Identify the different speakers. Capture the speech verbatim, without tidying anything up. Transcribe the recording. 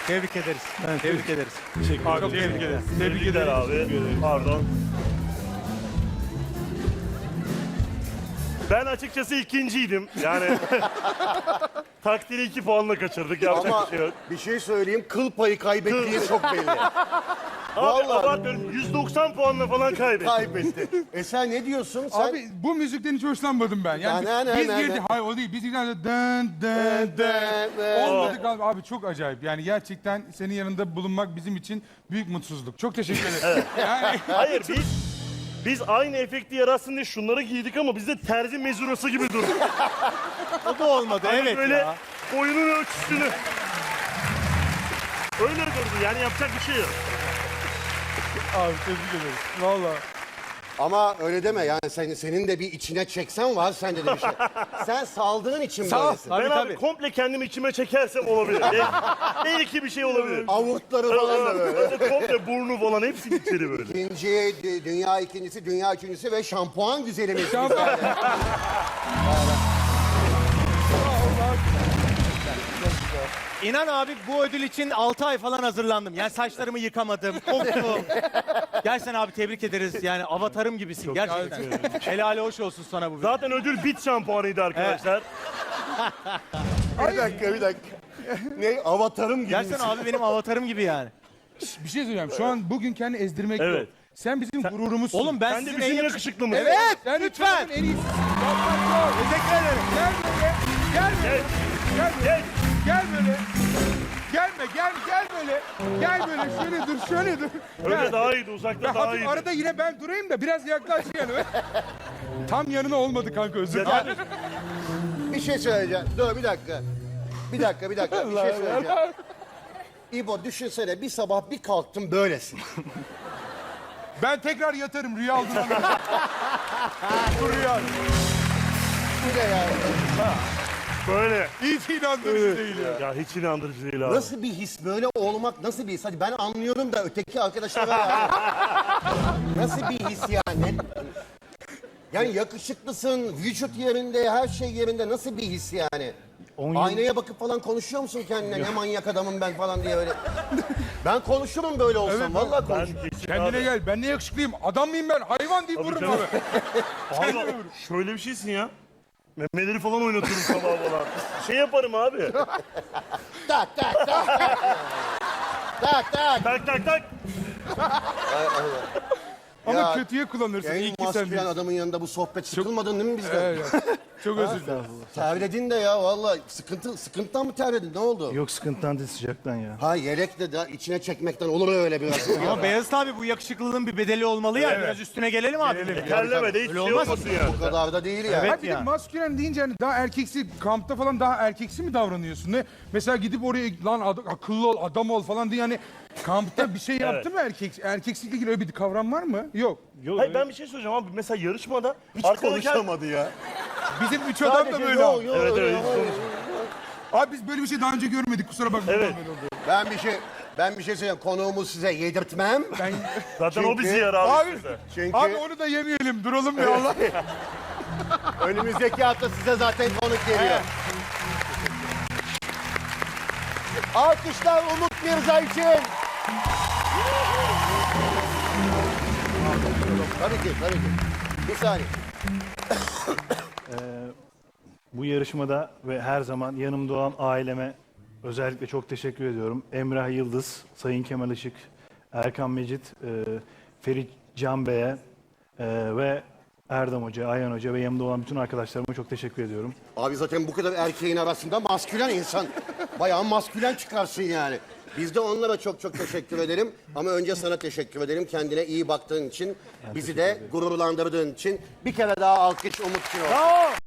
Speaker 1: Tebrik ederiz. Tebrik ederiz.
Speaker 2: Teşekkür
Speaker 3: Abi
Speaker 2: ederim.
Speaker 3: tebrik ederiz.
Speaker 2: Tebrik eder abi. Pardon. Ben açıkçası ikinciydim. Yani takdiri iki puanla kaçırdık. Yapacak
Speaker 4: Ama
Speaker 2: bir şey yok.
Speaker 4: bir şey söyleyeyim, kıl payı kaybettiği çok belli.
Speaker 2: Abi
Speaker 4: Vallahi.
Speaker 2: abartmıyorum. yüz doksan puanla falan kaybetti.
Speaker 4: Kaybetti. E sen ne diyorsun? Sen...
Speaker 3: Abi bu müzikten hiç hoşlanmadım ben. Yani
Speaker 4: Na, na,
Speaker 3: biz
Speaker 4: na,
Speaker 3: girdik.
Speaker 4: na.
Speaker 3: Hayır o değil. Biz girdik. Dın dın dın. Olmadı galiba. Abi çok acayip. Yani gerçekten senin yanında bulunmak bizim için büyük mutsuzluk. Çok teşekkür ederim. Yani
Speaker 2: Hayır biz biz aynı efekti yaratsın diye şunları giydik ama bizde terzi mezurası gibi durdu.
Speaker 1: O da olmadı.
Speaker 2: Hani
Speaker 1: Evet
Speaker 2: böyle
Speaker 1: ya.
Speaker 2: boyunun ölçüsünü. Öyle durdu yani yapacak bir şey yok.
Speaker 3: abi tebrik ederiz. Valla.
Speaker 4: Ama öyle deme yani sen, senin de bir içine çeksen var sende de bir şey. Sen saldığın için
Speaker 3: Sağ ol.
Speaker 4: böylesin.
Speaker 1: Tabii,
Speaker 2: ben abi
Speaker 1: tabii.
Speaker 2: komple kendimi içime çekersem olabilir. Bel- Belki bir şey olabilir.
Speaker 4: Avurtları falan da böyle.
Speaker 2: Böyle komple burnu falan hepsi içeri böyle.
Speaker 4: İkinci, dü- dünya ikincisi, dünya üçüncüsü ve şampuan güzelimiz.
Speaker 3: Şampuan.
Speaker 1: İnan abi bu ödül için altı ay falan hazırlandım. Yani saçlarımı yıkamadım, koktum. Gerçekten abi tebrik ederiz. Yani avatarım gibisin gerçekten. Helali hoş olsun sana bu.
Speaker 2: Zaten ödül bit şampuanıydı arkadaşlar.
Speaker 4: Bir dakika, bir dakika. Ne? Avatarım gibi.
Speaker 1: Gerçekten abi benim avatarım gibi yani.
Speaker 3: Bir şey söyleyeyim. Şu an bugün kendi ezdirmek
Speaker 2: Evet.
Speaker 3: yok. Sen bizim gururumuzsun.
Speaker 1: Oğlum ben
Speaker 2: Sen de
Speaker 1: sizin en
Speaker 2: bizim
Speaker 1: yakışıklı...
Speaker 2: yakışıklı mısın?
Speaker 1: Evet,
Speaker 3: Sen
Speaker 1: lütfen.
Speaker 3: En iyisi. Yapmak yok.
Speaker 1: Teşekkür ederim.
Speaker 3: Gel böyle. Gel böyle. Gel böyle.
Speaker 2: Gel.
Speaker 3: Gel böyle. Gelme gel gel böyle. Gel böyle şöyle dur şöyle dur.
Speaker 2: Öyle
Speaker 3: Gel.
Speaker 2: daha iyiydi uzakta
Speaker 3: Ya
Speaker 2: daha
Speaker 3: hafif
Speaker 2: iyiydi.
Speaker 3: arada yine ben durayım da biraz yaklaş yani. Tam yanına olmadı kanka özür dilerim.
Speaker 4: Bir şey söyleyeceğim. Dur bir dakika. Bir dakika, bir dakika. Bir şey söyleyeceğim. İbo düşünsene bir sabah bir kalktım böylesin.
Speaker 3: Ben tekrar yatarım rüya aldım. Bu rüya.
Speaker 4: Bu ne yani?
Speaker 2: Böyle.
Speaker 3: Hiç inandırıcı değil ya.
Speaker 2: Ya hiç inandırıcı değil abi.
Speaker 4: Nasıl bir his böyle olmak nasıl bir his? Hadi ben anlıyorum da öteki arkadaşlara yani. Nasıl bir his yani? Yani yakışıklısın, vücut yerinde, her şey yerinde nasıl bir his yani? Aynaya bakıp falan konuşuyor musun kendine? Ne manyak adamım ben falan diye öyle. Ben konuşurum böyle olsam.
Speaker 3: Evet,
Speaker 4: Vallahi
Speaker 2: Ben
Speaker 4: konuşurum.
Speaker 2: kesin
Speaker 3: Kendine
Speaker 2: abi.
Speaker 3: gel ben ne yakışıklıyım adam mıyım ben hayvan deyip vururum
Speaker 2: canım.
Speaker 3: abi.
Speaker 2: Abi şöyle bir şeysin ya. Memeleri falan oynatırım sabah falan. Şey yaparım abi.
Speaker 4: Tak tak tak. Tak tak.
Speaker 2: Tak tak tak.
Speaker 3: Ama
Speaker 4: Ya,
Speaker 3: kötüye kullanırsın iyi
Speaker 4: En
Speaker 3: ki sen
Speaker 4: maskülen
Speaker 3: değilsin.
Speaker 4: adamın yanında bu sohbet sıkılmadın değil mi bizden?
Speaker 3: Evet, evet. Çok özür dilerim.
Speaker 4: Terledin de ya vallahi sıkıntı sıkıntıdan mı terledin ne oldu?
Speaker 5: Yok sıkıntıdan değil sıcaktan ya.
Speaker 4: Ha yelek de, de içine çekmekten olur öyle biraz.
Speaker 1: Ama Beyazıt abi bu yakışıklılığın bir bedeli olmalı ya. Biraz üstüne gelelim abi.
Speaker 2: Terleme de hiç
Speaker 1: Öyle
Speaker 2: şey
Speaker 1: olmaz.
Speaker 2: olmasın yani.
Speaker 4: Bu kadar da değil ya.
Speaker 1: Evet.
Speaker 3: Ha bir de
Speaker 1: yani.
Speaker 3: maskülen deyince hani daha erkeksi, kampta falan daha erkeksi mi davranıyorsun? Ne? Mesela gidip oraya lan ad- akıllı ol, adam ol falan diye hani kampta bir şey yaptı mı erkek? Erkeksikle ilgili öyle bir kavram var mı? Yok.
Speaker 2: Hayır ben bir şey söyleyeceğim abi. Mesela yarışmada
Speaker 4: Hiç
Speaker 2: arkadaki...
Speaker 4: konuşamadı ya.
Speaker 3: Bizim üç adam da böyle.
Speaker 4: Yo,
Speaker 3: abi.
Speaker 4: yo,
Speaker 2: Evet
Speaker 4: yo,
Speaker 2: evet
Speaker 4: yo.
Speaker 2: hiç konuş.
Speaker 3: Abi biz böyle bir şey daha önce görmedik kusura bakmayın.
Speaker 2: Evet.
Speaker 3: Böyle oldu.
Speaker 4: Ben bir şey ben bir şey söyleyeyim. Konuğumu size yedirtmem.
Speaker 3: Ben...
Speaker 2: Zaten o
Speaker 4: Çünkü-
Speaker 2: bizi yer abi.
Speaker 3: Abi,
Speaker 2: size.
Speaker 4: Çünkü
Speaker 3: abi onu da yemeyelim duralım ya Allah.
Speaker 4: önümüzdeki hafta size zaten konuk geliyor. Alkışlar Umut Mirza için. Tabii ki, tabii ki. Bir saniye.
Speaker 5: Bu yarışmada ve her zaman yanımda olan aileme özellikle çok teşekkür ediyorum. Emrah Yıldız, Sayın Kemal Işık, Erkan Mecit, e, Ferit Can Bey'e e, ve Erdem Hoca, Ayhan Hoca ve yanımda olan bütün arkadaşlarıma çok teşekkür ediyorum.
Speaker 4: Abi zaten bu kadar erkeğin arasında maskülen insan. Bayağı maskülen çıkarsın yani. Biz de onlara çok çok teşekkür ederim. Ama önce sana teşekkür ederim. Kendine iyi baktığın için, bizi de gururlandırdığın için. Bir kere daha alkış Umut için olsun.
Speaker 1: Bravo.